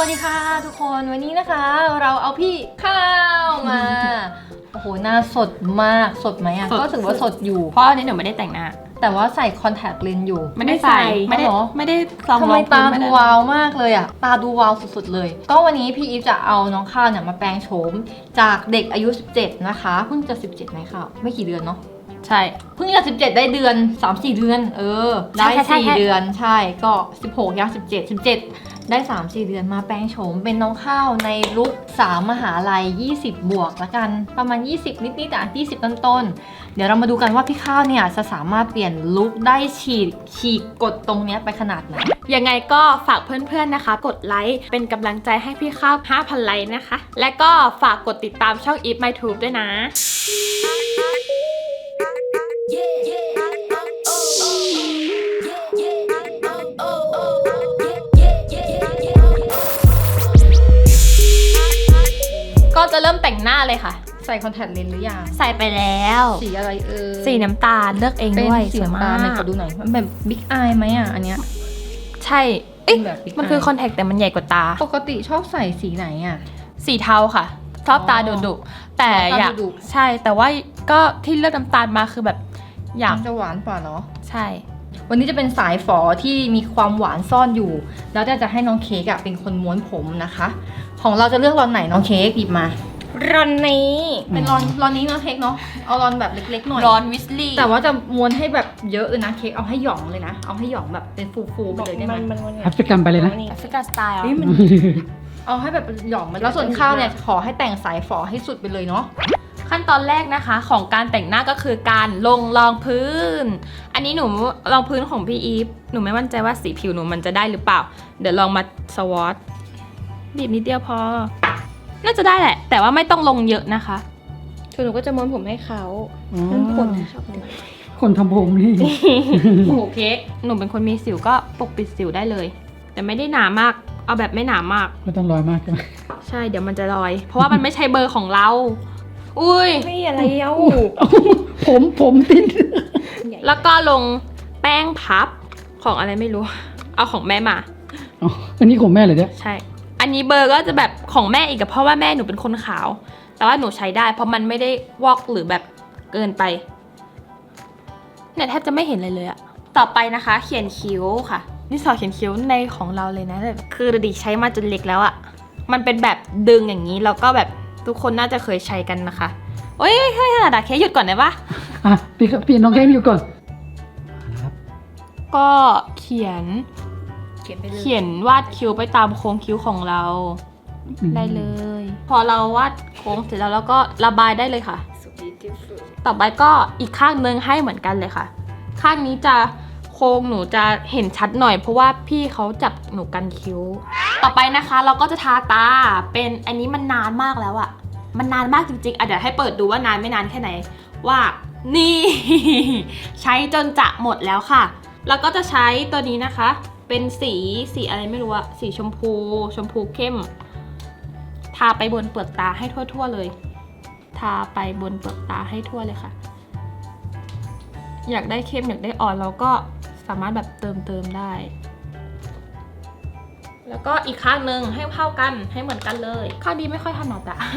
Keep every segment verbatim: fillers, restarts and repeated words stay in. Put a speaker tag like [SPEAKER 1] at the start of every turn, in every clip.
[SPEAKER 1] ดีค่ะทุกคนวันนี้นะคะเราเอาพี่ข้าวมาโอ้โหหน้าสดมากสดไหมอ่ะก็ถือว่าสดอยู่
[SPEAKER 2] เพราะอันนี้หนูไม่ได้แต่งหน้า
[SPEAKER 1] แต่ว่าใส่คอนแทคเลนส์อยู่
[SPEAKER 2] ไม่ได้ใส่ไม่ได้ไม่ได้ลอง
[SPEAKER 1] ทำไมตาดูวาวมากเลยอ่ะตาดูวาวสุดๆเลยก็วันนี้พี่อีฟจะเอาน้องข้าวเนี่ยมาแปลงโฉมจากเด็กอายุสิบเจ็ดนะคะเพิ่งจะสิบเจ็ดไหมข้าวไม่กี่เดือนเนาะ
[SPEAKER 2] ใช่
[SPEAKER 1] เพิ่งจะสิบเจ็ดได้เดือน สามสี่ เดือนเออได้สี่เดือนใช่ก็สิบหกย่างสิบเจ็ด สิบเจ็ดได้ สามสี่ เดือนมาแปลงโฉมเป็นน้องข้าวในลุคสามมหาลัยยี่สิบบวกละกันประมาณยี่สิบนิดๆอ่ะยี่สิบต้นๆเดี๋ยวเรามาดูกันว่าพี่ข้าวเนี่ยจะสามารถเปลี่ยนลุคได้ฉีกฉีกกดตรงเนี้ยไปขนาดไหน
[SPEAKER 2] ยังไงก็ฝากเพื่อนๆนะคะกดไลค์เป็นกำลังใจให้พี่ข้าว ห้าพัน ไลค์นะคะและก็ฝากกดติดตามช่อง If My Tube ด้วยนะก็จะเริ่มแต่งหน้าเลยค่ะ
[SPEAKER 1] ใส่คอนแทคเลนส์หรือยัง
[SPEAKER 2] ใส่ไปแล้ว
[SPEAKER 1] สีอะไรเออ
[SPEAKER 2] สีน้ำตาลเลือกเองด้วย
[SPEAKER 1] สีน้ำตาลไหนขอดูหน่อยมันแบบบิ๊กอายไหมอ่ะอันเนี้ย
[SPEAKER 2] ใช่เอ๊ะมันคือคอนแทคแต่มันใหญ่กว่าตา
[SPEAKER 1] ปกติชอบใส่สีไหนอ่ะ
[SPEAKER 2] สีเทาค่ะชอบตาดุดุแต่อยากใช่แต่ว่าก็ที่เลือกน้ำตาลมาคือแบบอยาก
[SPEAKER 1] จะหวานกว่าเนาะ
[SPEAKER 2] ใช่
[SPEAKER 1] วันนี้จะเป็นสายฝอที่มีความหวานซ่อนอยู่แล้วจะให้น้องเค้กเป็นคนม้วนผมนะคะของเราจะเลือกรอนไหนน้องเค้กหยิบมาร
[SPEAKER 2] อนนี้
[SPEAKER 1] เป็นรอนรอนนี้เนาะเค้กเนาะเอารอนแบบเล็กๆหน่อย
[SPEAKER 2] รอนวิสลี่
[SPEAKER 1] แต่ว่าจะม้วนให้แบบเยอะเลยนะเค้กเอาให้หย่องเลยนะเอาให้หย่องแบบเป็นฟูๆไปเลยได้ไหม
[SPEAKER 3] แอฟริกันไปเลยนะ
[SPEAKER 2] แอฟริกันสไตล์
[SPEAKER 1] เอาให้แบบหย่องมันแล้วส่วนข้าวเนี่ยขอให้แต่งสายฝอให้สุดไปเลยเนาะ
[SPEAKER 2] ขั้นตอนแรกนะคะของการแต่งหน้าก็คือการลงรองพื้นอันนี้หนูรองพื้นของพี่อีฟหนูไม่มั่นใจว่าสีผิวหนูมันจะได้หรือเปล่าเดี๋ยวลองมาสวอตบีบนิดเดียวพอน่าจะได้แหละแต่ว่าไม่ต้องลงเยอะนะคะคือหนูก็จะม้วนผมให้เขาคนชอบ
[SPEAKER 3] คนทำผมนี่
[SPEAKER 2] โอ้โหเค้กหนูเป็นคนมีสิวก็ปกปิดสิวได้เลยแต่ไม่ได้หนามากเอาแบบไม่หนามาก
[SPEAKER 3] ไม่ต้องลอยมากใช่ไหม
[SPEAKER 2] ใช่เดี๋ยวมันจะลอยเพราะว่ามันไม่ใช่เบอร์ของเราอุ้ย
[SPEAKER 1] ไม่อะไรเอ้า
[SPEAKER 3] ผมผมติด
[SPEAKER 2] แล้วก็ลงแป้งพับของอะไรไม่รู้เอาของแม่มา
[SPEAKER 3] อ๋ออันนี้ของแม่เลยเนี่ย
[SPEAKER 2] ใช่อันนี้เบอร์ก็จะแบบของแม่อีกเพราะว่าแม่หนูเป็นคนขาวแต่ว่าหนูใช้ได้เพราะมันไม่ได้วอกหรือแบบเกินไปเนี่ยแทบจะไม่เห็นเลยเลยอะต่อไปนะคะเขียนคิ้วค่ะนี่สอเขียนคิ้วในของเราเลยนะแบบคือดิใช้มาจนเล็กแล้วอะมันเป็นแบบดึงอย่างนี้แล้วก็แบบทุกคนน่าจะเคยใช้กันนะคะโอ้ยเฮ้ยขนาดอะเคหยุดก่อนได้ปะ
[SPEAKER 3] อ่ะพี่พี่น้องเคหยุดก่อน
[SPEAKER 2] ก็เขียนเขียนวาดคิ้วไปตามโค้งคิ้วของเราได้เลยพอเราวาดโค้งเสร็จแล้วเราก็ระบายได้เลยค่ะต่อไปก็อีกข้างนึงให้เหมือนกันเลยค่ะข้างนี้จะโค้งหนูจะเห็นชัดหน่อยเพราะว่าพี่เขาจับหนูกันคิ้วต่อไปนะคะเราก็จะทาตาเป็นอันนี้มันนานมากแล้วอะมันนานมากจริงๆอ่ะเดี๋ยวให้เปิดดูว่านานไม่นานแค่ไหนว่านี่ใช้จนจะหมดแล้วค่ะแล้วก็จะใช้ตัวนี้นะคะเป็นสีสีอะไรไม่รู้อะสีชมพูชมพูเข้มทาไปบนเปลือกตาให้ทั่วๆเลยทาไปบนเปลือกตาให้ทั่วเลยค่ะอยากได้เข้มอยากได้อ่อนเราก็สามารถแบบเติมเติมได้แล้วก็อีกข้างหนึ่งให้เท่ากันให้เหมือนกันเลยข้างดีไม่ค่อยถนัดอะ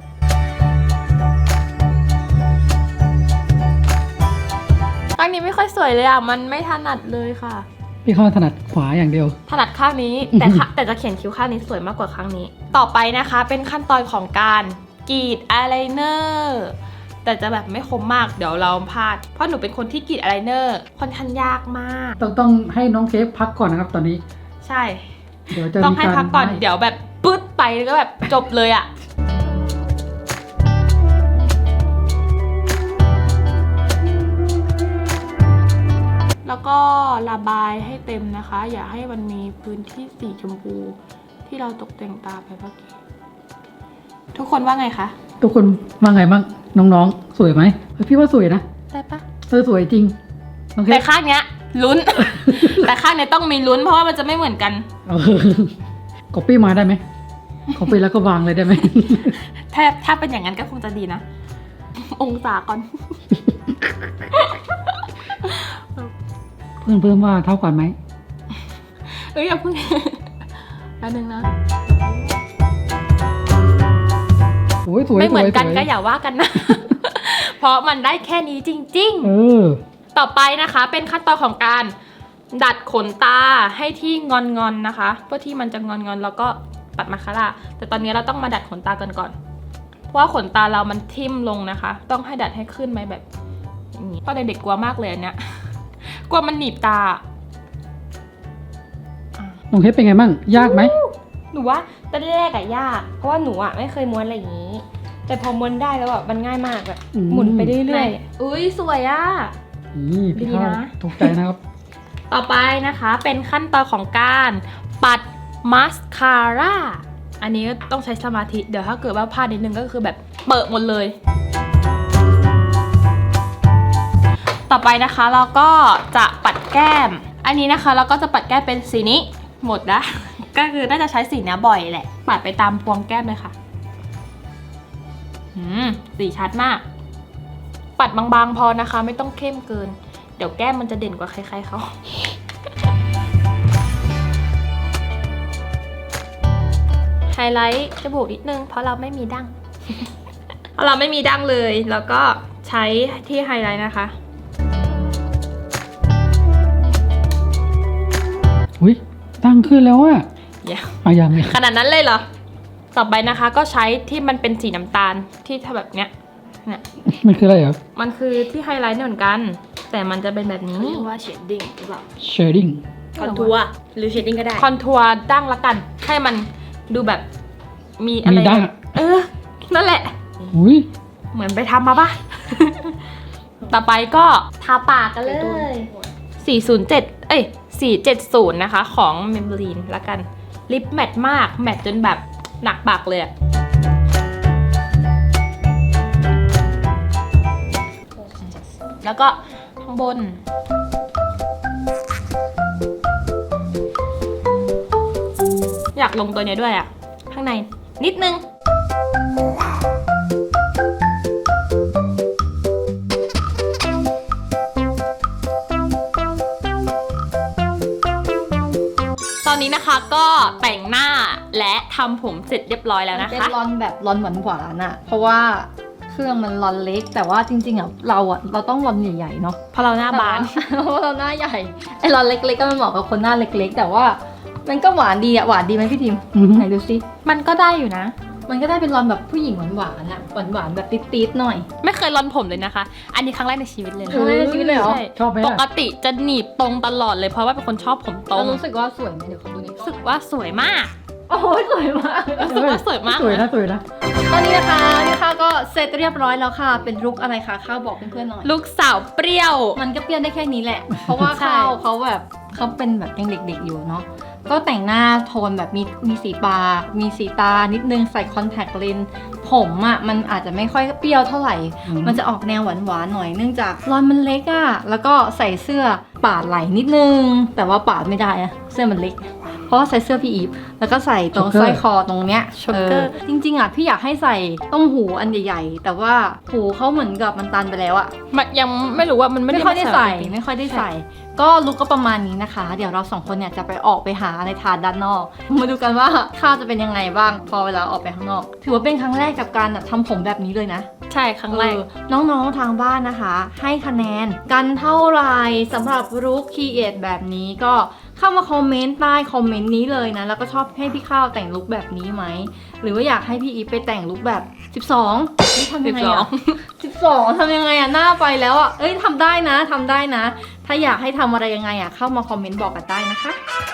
[SPEAKER 2] ข้างนี้ไม่ค่อยสวยเลยอะมันไม่ถนัดเลยค่ะ
[SPEAKER 3] พี่เขาถนัดขวาอย่างเดียว
[SPEAKER 2] ถนัดข้างนี้แต่แต่จะเขียนคิ้วข้างนี้สวยมากกว่าข้างนี้ต่อไปนะคะเป็นขั้นตอนของการกรีดอายไลเนอร์แต่จะแบบไม่คมมากเดี๋ยวเราพลาดเพราะหนูเป็นคนที่กรีดอายไลเนอร์ค่อนข้างยากมาก
[SPEAKER 3] ต้องต้องให้น้องเค้กพักก่อนนะครับตอนนี้
[SPEAKER 2] ใช่เดี๋ยวจะต้องให้พักก่อนเดี๋ยวแบบปึ๊ดไปแล้วก็แบบจบเลยอะแล้วก็ระบายให้เต็มนะคะอย่าให้มันมีพื้นที่สีชมพูที่เราตกแต่งตาไปเมื่อกี้ทุกคนว่าไงคะ
[SPEAKER 3] ทุกคนว่าไงบ้างน้องๆสวยไหมพี่ว่าสวยนะ
[SPEAKER 2] ได้ปะ
[SPEAKER 3] เออสวยจริง
[SPEAKER 2] แต่ข้างเนี้ยลุ้น แต่ข้างเนี้ยต้องมีลุ้นเพราะว่ามันจะไม่เหมือนกัน
[SPEAKER 3] ก๊อปปี้มาได้ไหมก๊อปปี้แล้วก็วางเลยได้ไหม
[SPEAKER 2] ถ้าถ้าเป็นอย่างนั้นก็คงจะดีนะองศาก่อน
[SPEAKER 3] เพิ่มเพิ่มว่าเท่ากันไหม
[SPEAKER 2] เอ้ยอย่าเพิ่งแป๊บนึงนะ
[SPEAKER 3] สวย
[SPEAKER 2] ไม่เหมือนกัน
[SPEAKER 3] สวย
[SPEAKER 2] ก็อย่าว่ากันนะ เพราะมันได้แค่นี้จริง
[SPEAKER 3] เออ
[SPEAKER 2] ๆ ต่อไปนะคะเป็นขั้นตอนของการดัดขนตาให้ที่งอนๆนนะคะ เพื่อที่มันจะงอนๆแล้วก็ปัดมาคาร่าแต่ตอนนี้เราต้องมาดัดขนตากันก่อน เพราะว่าขนตาเรามันทิ่มลงนะคะ ต้องให้ดัดให้ขึ้นไหมแบบอย่างนี้ตอนเด็กๆกลัวมากเลยอันเนี้ย กลัวมันหนีบตา
[SPEAKER 3] น้องเพชรเป็นไงบ้างยากไหม
[SPEAKER 4] หนูว่าตอนแรกอะยาก เพราะว่าหนูอะไม่เคยม้วนอะไรอย่างนี้ แต่พอม้วนได้แล้วอะมันง่ายมากแบบ
[SPEAKER 3] อืม
[SPEAKER 4] หมุนไปเรื่อย
[SPEAKER 2] อุ้ยสวยอะ
[SPEAKER 3] นี่พี่ข้าว
[SPEAKER 2] ดีนะ
[SPEAKER 3] ถูกใจนะครับ
[SPEAKER 2] ต่อไปนะคะเป็นขั้นตอนของการปัดมาสคาร่า อันนี้ก็ต้องใช้สมาธิ เดี๋ยวถ้าเกิดว่าพลาดนิดนึงก็คือแบบเปิดหมดเลย ต่อไปนะคะเราก็จะปัดแก้ม อันนี้นะคะเราก็จะปัดแก้มเป็นสีนี้หมดนะ ก็คือน่าจะใช้สีนี้บ่อยแหละ ปัดไปตามพวงแก้มเลยค่ะอืมสีชัดมาก ปัดบางๆพอนะคะ ไม่ต้องเข้มเกิน เดี๋ยวแก้มมันจะเด่นกว่าใครๆเขา ไฮไลท์จมูกนิดนึงเพราะเราไม่มีดั้ง เพราะเราไม่มีดั้งเลย แล้วก็ใช้ที่ไฮไลท์นะคะ
[SPEAKER 3] อุ้ยตั้งขึ้นแล้วอะ
[SPEAKER 2] อย่า
[SPEAKER 3] อ่ะยังเนี่ย
[SPEAKER 2] ขนาดนั้นเลยเหรอ ต่อไปนะคะก็ใช้ที่มันเป็นสีน้ำตาลที่ถ้าแบบเนี้ย เนี่ย
[SPEAKER 3] มันคืออะไรเหรอ
[SPEAKER 2] มันคือที่ไฮไลท์เหมือนกัน แต่มันจะเป็นแบบนี้
[SPEAKER 4] ๆเรียกว่าเชดดิ้งหรือเปล่า
[SPEAKER 3] shading
[SPEAKER 4] คอนทัวร์หรือเชดดิ้งก็ได้
[SPEAKER 2] คอนทัวร์ดั้งละกัน ให้มันดูแบบมีอะไร
[SPEAKER 3] มีดั้ง
[SPEAKER 2] เออ นั่นแหละ
[SPEAKER 3] อุ้ย
[SPEAKER 2] เหมือนไปทำมาปะ ต่อไปก็ทาปากกันเลย สี่ศูนย์เจ็ด เอ้ย สี่เจ็ดศูนย์ นะคะ ของ Maybelline ละกัน ลิปแมทมาก แมทจนแบบหนักปากเลยอะแล้วก็ข้างบน อยากลงตัวเนี้ยด้วยอะข้างในนิดนึง ตอนนี้นะคะก็แต่งหน้าและทำผมเสร็จเรียบร้อยแล้วนะ
[SPEAKER 1] เป็น
[SPEAKER 2] คะ
[SPEAKER 1] รอนแบบรอนหวานหวานๆอะเพราะว่าเครื่องมันรอนเล็ก แต่ว่าจริงๆอะเราอะเราต้องรอนใหญ่ๆเนาะ
[SPEAKER 2] เพราะเราหน้าบาน
[SPEAKER 1] แต่ว่าเพราะเราหน้าใหญ่ไอ้รอนเล็กๆก็มันเหมาะกับคนหน้าเล็กๆ แต่ว่ามันก็หวานดีอะหวานดีไหมพี่ทิม
[SPEAKER 3] อือฮึ
[SPEAKER 1] ไหนดูซิ
[SPEAKER 2] มันก็ได้อยู่นะ
[SPEAKER 1] มันก็ได้เป็นรอนแบบผู้หญิงหวานๆอะหวานๆแบบติดๆหน่อย
[SPEAKER 2] ไม่เคยรอนผมเลยนะคะ อันนี้ครั้งแรกในชีวิตเลยนะ
[SPEAKER 1] ครั้งแรกในชีวิตเลยเหรอ
[SPEAKER 2] ใช่
[SPEAKER 3] ชอบไหม
[SPEAKER 2] ป
[SPEAKER 3] ล่ะ
[SPEAKER 2] กติจะหนีบตรงตลอดเลยเพราะว่าเป็นคนชอบผมตร
[SPEAKER 1] เรา
[SPEAKER 2] ง
[SPEAKER 1] รู้สึกว่าสวยไหมเดี๋ยวขอดูนิด
[SPEAKER 2] รู้สึกว่าสวยมาก
[SPEAKER 1] โอ้ยสวยมาก
[SPEAKER 2] รู้สึกว่าสวยมาก
[SPEAKER 3] สวยนะสวยนะ
[SPEAKER 1] ตอนนี้นะคะนี่ค่ะก็เสร็จเรียบร้อยแล้วค่ะ เป็นลุคอะไรคะข้าวบอกเพื่อนๆหน่อย
[SPEAKER 2] ลูกสาวเปรี้ยว
[SPEAKER 1] มันก็เปลี่ยนได้แค่นี้แหละ เพราะว่า
[SPEAKER 2] ใช่
[SPEAKER 1] ข้าวเขาแบบเขาเป็นแบบยังเด็กๆอยู่เนาะ ก็แต่งหน้าโทนแบบมีมีสีปากมีสีตานิดนึงใส่คอนแทคเลนส์ผมอะ่ะมันอาจจะไม่ค่อยเปรี้ยวเท่าไหร่
[SPEAKER 3] อืม
[SPEAKER 1] มันจะออกแนวหวานๆหน่อยเนื่องจากรอนมันเล็กอะ่ะ แล้วก็ใส่เสื้อปาดไหล่นิดนึง แต่ว่าปาดไม่ได้อะเสื้อมันเล็ก เพราะว่าใส่เสื้อพี่อีฟแล้วก็ใส่ตรงสร้อยคอตรงเนี้ย
[SPEAKER 2] ช็อกเกอร์
[SPEAKER 1] จริงๆอ่ะพี่อยากให้ใส่ต้มหูอันใหญ่ๆ แต่ว่าหูเขาเหมือนกับมันตันไปแล้วอ่ะ
[SPEAKER 2] มันยังไม่รู้ว่ามันไม่
[SPEAKER 1] ไม่
[SPEAKER 2] ได้
[SPEAKER 1] ค่อยได้ใส่
[SPEAKER 2] จริงๆ
[SPEAKER 1] ไม่ค่อยได้ใส่ ก็ลุกก็ประมาณนี้นะคะ เดี๋ยวเราสองคนเนี่ยจะไปออกไปหาอะไรทานด้านนอก มาดูกันว่าข้าวจะเป็นยังไงบ้าง พอเวลาออกไปข้างนอก ถือว่าเป็นครั้งแรกกับการทำผมแบบนี้เลยนะ
[SPEAKER 2] ใช่ครั้งแรก
[SPEAKER 1] เออน้องๆทางบ้านนะคะ ให้คะแนนกันเท่าไหร่สำหรับลุคคีเอทแบบนี้ก็เข้ามาคอมเมนต์ใต้คอมเมนต์นี้เลยนะ แล้วก็ชอบให้พี่ข้าวแต่งลุคแบบนี้ไหม หรือว่าอยากให้พี่อีฟไปแต่งลุคแบบสิบสองนี่ทำยังไงอะ สิบสองทำยังไงอะหน้าไปแล้วอะเอ้ยทำได้นะทำได้นะ ถ้าอยากให้ทำอะไรยังไงอะเข้ามาคอมเมนต์บอกกันได้นะคะ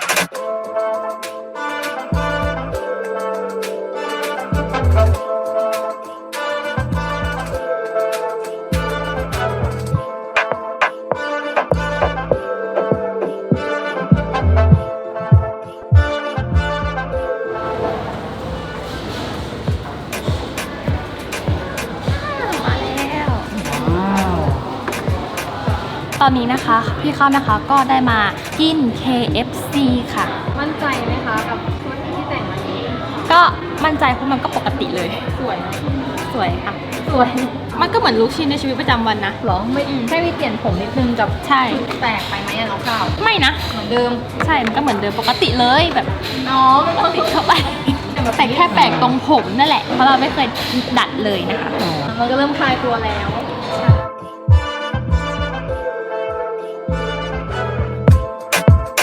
[SPEAKER 3] ว้าว
[SPEAKER 2] ตอนนี้นะคะพี่ข้าวนะคะก็ได้มากิน เค เอฟ ซี ค่ะ
[SPEAKER 1] มั่นใจไหมคะกับชุดที่แต่งวันนี้
[SPEAKER 2] ก็มั่นใจเพราะมันก็ปกติเลย
[SPEAKER 1] สวยนะ
[SPEAKER 2] สวยค่ะ
[SPEAKER 1] สวย
[SPEAKER 2] มันก็เหมือนลุคชินในชีวิตประจำวันนะ
[SPEAKER 1] หรอไม่
[SPEAKER 2] อืม
[SPEAKER 1] แค่มีเปลี่ยนผมนิดนึงกับ
[SPEAKER 2] ใช่
[SPEAKER 1] ชุดแปลกไปไหมอะน้องข้าว
[SPEAKER 2] ไม่นะ
[SPEAKER 1] เหมือนเดิม
[SPEAKER 2] ใช่ มันก็เหมือนเดิมปกติเลยแบบ
[SPEAKER 1] น้อง
[SPEAKER 2] ปกติเข้าไป
[SPEAKER 1] เดี๋ยวแบบ
[SPEAKER 2] แต่แค่แปลกตรงผมนั่นแหละ เพราะเราไม่เคยดัดเลยนะคะ
[SPEAKER 3] อ๋อ
[SPEAKER 1] มันก็เริ่มคลายตัวแล้ว